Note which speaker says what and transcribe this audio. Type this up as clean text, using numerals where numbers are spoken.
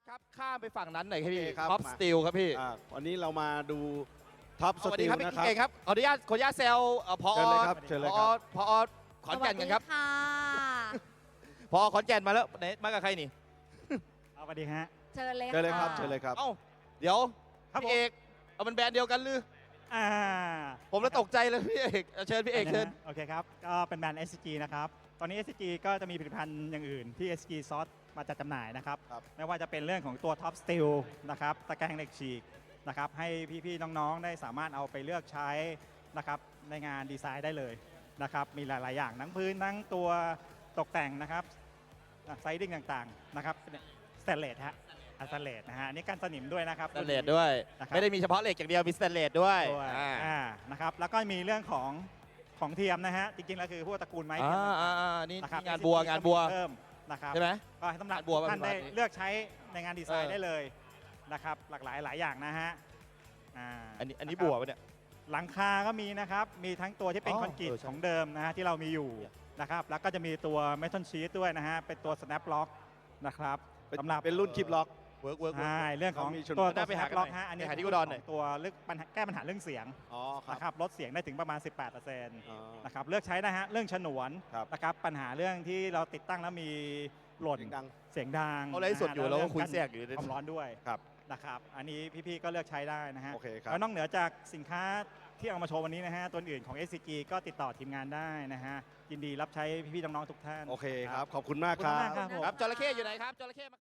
Speaker 1: ครับข้ามไปฝั่งนั้นหน่อยครับพี่
Speaker 2: โอเคครับ
Speaker 1: ท็อป
Speaker 2: มา
Speaker 1: สตีลครับพี่
Speaker 2: วันนี้เรามาดูท็อป
Speaker 1: ส
Speaker 2: ส
Speaker 1: วัส
Speaker 2: ตี
Speaker 1: ดี
Speaker 2: ล
Speaker 1: ครับพี่
Speaker 2: นะครับ
Speaker 1: เก่งครับขออนุญาตแซวพอ
Speaker 2: เชิญเลยครับเชิญเลยครับ
Speaker 1: พอขอนแก่นกันครับ
Speaker 3: สวัสดีค่ะ
Speaker 1: พอขอนแก่นมาแล้วไหนมากับใครนี่
Speaker 4: สวัสดีฮะ
Speaker 3: เชิญเลย
Speaker 2: เชิญเลยครับ
Speaker 3: ะ
Speaker 2: เชิญเลยครับ
Speaker 1: เอ้าเดี๋ยว
Speaker 4: ครับ
Speaker 1: พี่เอกเอามันแบรนด์เดียวกันหรือ
Speaker 4: อ่า
Speaker 1: ผมแล้วตกใจเลยพี่เอกเอาเชิญพี่เอกเชิญ
Speaker 4: โอเคครับ ก็เป็นแบรนด์ SCG นะครับ ตอนนี้ SCG ก็จะมีผลิตภัณฑ์อย่างอื่นที่ SCG ซอสมาจัดจำหน่ายนะครับ
Speaker 2: ครับ
Speaker 4: ไม่ว่าจะเป็นเรื่องของตัว Top Steel นะครับ ตะแกรงเหล็กฉีกนะครับ ให้พี่ๆน้องๆได้สามารถเอาไปเลือกใช้นะครับในงานดีไซน์ได้เลยนะครับ มีหลายๆอย่างทั้งพื้นทั้งตัวตกแต่งนะครับไซดิ้งต่างๆนะครับสแตนเลสฮะสแตนเลสนะฮะอันนี่กันสนิมด้วยนะครับ
Speaker 1: สแตนเลสด้วย
Speaker 4: นะครับ
Speaker 1: ไม่ได้มีเฉพาะเหล็กอย่างเดียวมีสแตนเลสด้วย
Speaker 4: ด้วย
Speaker 1: อ่า
Speaker 4: นะครับ แล้วก็มีเรื่องของเทียมนะฮะ จริงๆแล้วคือพวกตระกูลไม้เทียม
Speaker 1: นี่
Speaker 4: นะครับ
Speaker 1: งานบัว
Speaker 4: SCG
Speaker 1: งานบัว
Speaker 4: เพิ่มนะครับ
Speaker 1: ใช่ไหม
Speaker 4: ก็ให้สำหรับ
Speaker 1: งานบัว
Speaker 4: ท่าน
Speaker 1: เป็น
Speaker 4: ได้
Speaker 1: แบบนี้
Speaker 4: เลือกใช้ในงานดีไซน์
Speaker 1: เออ
Speaker 4: ได้เลยนะครับ หลากหลายหลายอย่างนะฮะอ่า
Speaker 1: อันนี้
Speaker 4: ะครับ
Speaker 1: บัวปะเนี่ย
Speaker 4: หลังคาก็มีนะครับ มีทั้งตัวที่เป็น
Speaker 1: อ๋อ
Speaker 4: คอนกรีต
Speaker 1: ใช่
Speaker 4: ของเดิมนะฮะที่เรามีอยู่นะครับ แล้วก็จะมีตัวเมทัลชีตด้วยนะฮะ เป็นตัว snap lock นะครับ สำหรับ
Speaker 2: เป็นรุ่นคลิปล็อก
Speaker 1: เวิร์ก
Speaker 4: ใช่เรื่องของ
Speaker 2: เขามีชน
Speaker 4: ตัว
Speaker 1: น่าไปหา
Speaker 4: snap
Speaker 1: กันหน่
Speaker 4: lock
Speaker 1: อย
Speaker 4: ฮะอันนี้
Speaker 1: ไปหาที่อุดรหน่อย
Speaker 4: ตัวแก้ปัญหาเรื่องเสียง
Speaker 2: อ๋อครับ
Speaker 4: นะครับลดเสียงได้ถึงประมาณ 18%
Speaker 2: อ๋อ
Speaker 4: นะครับเลือกใช้นะฮะเรื่องฉนวน
Speaker 2: ครับ
Speaker 4: นะครับปัญหาเรื่องที่เราติดตั้งแล้วมีหล่น
Speaker 2: เสียงดัง
Speaker 4: เสียงดัง
Speaker 1: เขาไลฟ์สดอยู่
Speaker 4: นะฮะ
Speaker 1: เราก็คุย
Speaker 4: แล้
Speaker 1: แทรกอยู่
Speaker 4: ความร้อนด้วย
Speaker 2: ครับ
Speaker 4: นะครับอันนี้พี่ๆก็เลือกใช้ได้นะฮะ
Speaker 2: โอเคครับ
Speaker 4: แล้วนอกเหนือจากสินค้าที่เอามาโชว์วันนี้นะฮะตัวอื่นของ SCG ก็ติดต่อทีมงานได้นะฮะยินดีรับใช้พี่ๆน้องๆทุกท่าน
Speaker 2: โอเคครับ ขอบคุณมาก
Speaker 4: ขอบ
Speaker 2: ค
Speaker 4: คุณ
Speaker 2: รั
Speaker 4: มาก
Speaker 2: บ
Speaker 4: ครับผม
Speaker 1: ครับจระเข้อยู่ไหนครับจระเข้มา